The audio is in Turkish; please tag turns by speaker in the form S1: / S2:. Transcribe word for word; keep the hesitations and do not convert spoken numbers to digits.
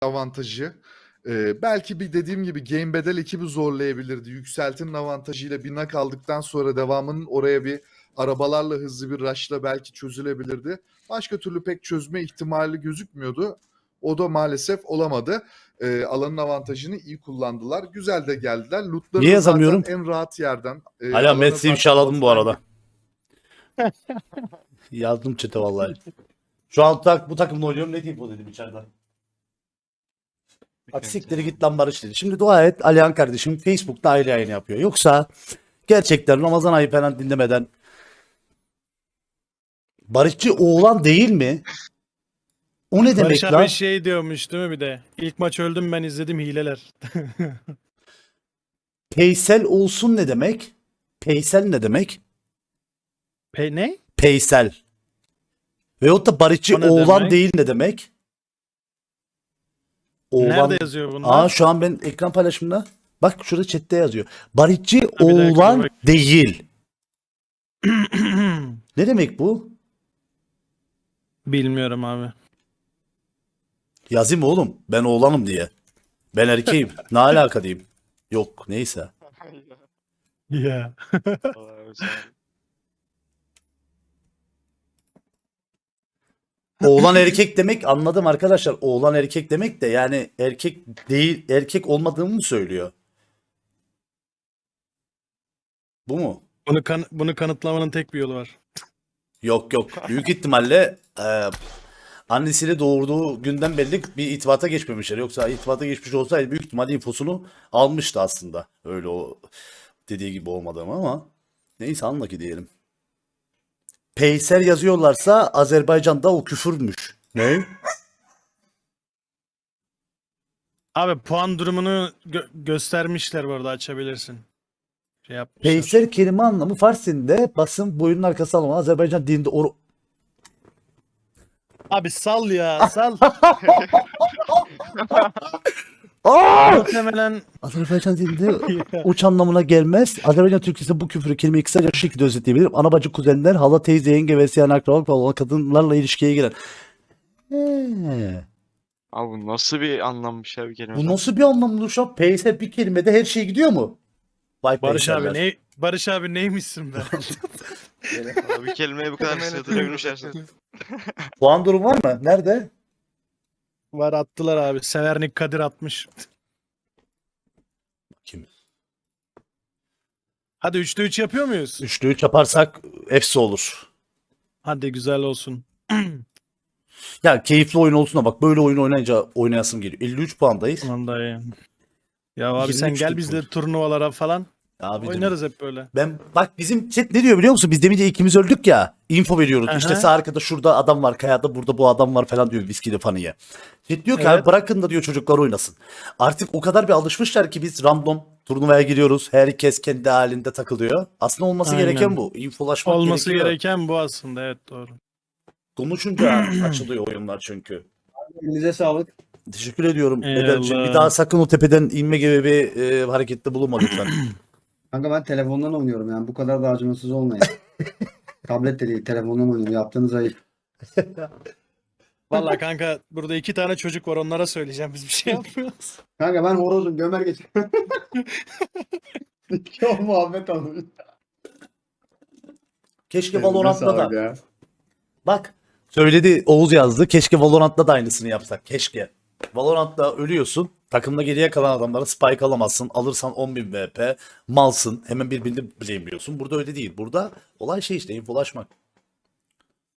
S1: avantajı. Ee, belki bir dediğim gibi Game Bedel ekibi zorlayabilirdi. Yükseltinin avantajıyla bir nak aldıktan sonra devamının oraya bir arabalarla hızlı bir rush'la belki çözülebilirdi. Başka türlü pek çözme ihtimali gözükmüyordu. O da maalesef olamadı. Ee, alanın avantajını iyi kullandılar. Güzel de geldiler. Lootları
S2: Niye
S1: da zaten
S2: yazamıyorum?
S1: en rahat yerden. E,
S2: Hala
S1: alana
S2: Mets'i
S1: zaten
S2: ifşaladım bu
S1: ortadan
S2: arada. Yazdım chat'e vallahi. Şu an tak, bu takımla oynuyorum, ne diyeyim o dedim içeriden. Bak siktir git lan Barış dedi. Şimdi dua et Alihan kardeşim Facebook'ta ayrı yayın yapıyor. Yoksa gerçekten Ramazan ayı falan dinlemeden Barışçı oğlan değil mi? O ne demek
S3: Barış
S2: lan?
S3: abi şey diyormuş değil mi bir de? İlk maç öldüm ben izledim hileler.
S2: Peysel olsun ne demek? Peysel ne demek?
S3: Pe ne?
S2: Peysel. Veyahut da Barışçı
S3: O ne
S2: oğlan
S3: demek?
S2: değil ne demek? Oğlan...
S3: Nerede yazıyor bunlar?
S2: Aa şu an ben ekran paylaşımında. Bak şurada chatte yazıyor. Barışçı
S3: bir dakika,
S2: oğlan
S3: bak.
S2: değil. Ne demek bu?
S3: Bilmiyorum abi.
S2: Yazayım oğlum. Ben oğlanım diye. Ben erkeğim. Ne alaka diyeyim. Yok neyse.
S3: Ya.
S2: Oğlan erkek demek anladım arkadaşlar. Oğlan erkek demek de yani erkek değil, erkek olmadığımı mı söylüyor? Bu mu?
S3: Bunu kan bunu kanıtlamanın tek bir yolu var.
S2: Yok yok. Büyük ihtimalle e, annesiyle doğurduğu günden belli bir itibata geçmemişler. Yoksa itibata geçmiş olsaydı büyük ihtimalle infosunu almıştı aslında. Öyle o dediği gibi olmadığımı ama neyse anla ki diyelim. Peyser yazıyorlarsa Azerbaycan'da o küfürmüş. Ne?
S3: Abi puan durumunu gö- göstermişler bu arada açabilirsin. Şey yapmışlar.
S2: Peyser kelime anlamı Fars dilinde basın boyunun arkası alma. Azerbaycan dilinde or
S3: Abi sal ya sal.
S2: Aa!
S3: Muhtemelen
S2: Azerbaycan dilinde uç anlamına gelmez. Azerbaycan Türkçesi bu küfürü kelimeyi kısaca şu şekilde özetleyebilirim. Ana bacı kuzenler, hala teyze, yenge ve siyan akrabalık olan kadınlarla ilişkiye giren. He.
S4: Abi bu nasıl bir anlammış ya bir kelime?
S2: Bu nasıl bir anlamlı şu an? Peyser bir kelimede her şey gidiyor mu? Vay
S3: Barış abi
S2: peyserler.
S3: ne Barış abi neymişsin be?
S4: Abi bir kelimeye bu kadar sığdırabilmişler.
S2: Puan durum var mı? Nerede?
S3: Var attılar abi. Severnik Kadir atmış.
S2: Kim?
S3: Hadi üçte üç yapıyor muyuz?
S2: Üçlü üç yaparsak efsi olur.
S3: Hadi güzel olsun.
S2: Ya keyifli oyun olsun da bak böyle oyun oynayınca oynayasım geliyor. elli üç puandayız.
S3: Aman dayı. Ya abi sen
S2: yirmi üç
S3: gel
S2: lig
S3: bizle
S2: var.
S3: turnuvalara falan.
S2: Abi
S3: Oynarız hep böyle.
S2: ben bak bizim chat ne diyor biliyor musun? Biz demince ikimiz öldük ya. Info veriyoruz.
S3: Aha.
S2: İşte sağ arkada şurada adam var. Kayada burada bu adam var falan diyor viskili fanıya. Chat diyor ki
S3: Evet.
S2: abi bırakın da diyor çocuklar oynasın. Artık o kadar bir alışmışlar ki biz random turnuvaya giriyoruz. Herkes kendi halinde takılıyor. Aslında olması
S3: Aynen.
S2: gereken bu. Infolaşmak
S3: Olması
S2: gerekiyor.
S3: gereken bu aslında, evet doğru.
S2: Konuşunca açılıyor oyunlar çünkü.
S5: Elinize sağlık.
S2: Teşekkür ediyorum.
S3: Eyvallah.
S2: Ederciğim. Bir daha sakın o tepeden inme gibi bir e, harekette bulunma lütfen.
S5: Kanka ben telefondan oynuyorum yani bu kadar da acımasız olmayın. Tablet de değil telefondan oynuyorum. Yaptığınız ayıp.
S3: Vallahi kanka burada iki tane çocuk var, onlara söyleyeceğim, biz bir şey yapmıyoruz.
S5: Kanka ben horozum gömer geç. Çok muhabbet alıyor.
S2: Keşke
S5: Elinize
S2: Valorant'ta
S5: sağlık
S2: da.
S5: ya.
S2: Bak söyledi Oğuz yazdı. Keşke Valorant'ta da aynısını yapsak. Keşke. Valorant'ta ölüyorsun. Takımda geriye kalan adamlara spike alamazsın. Alırsan on bin V P. Malsın. Hemen birbirini blame'liyorsun. Burada öyle değil. Burada olay şey işte infolaşmak.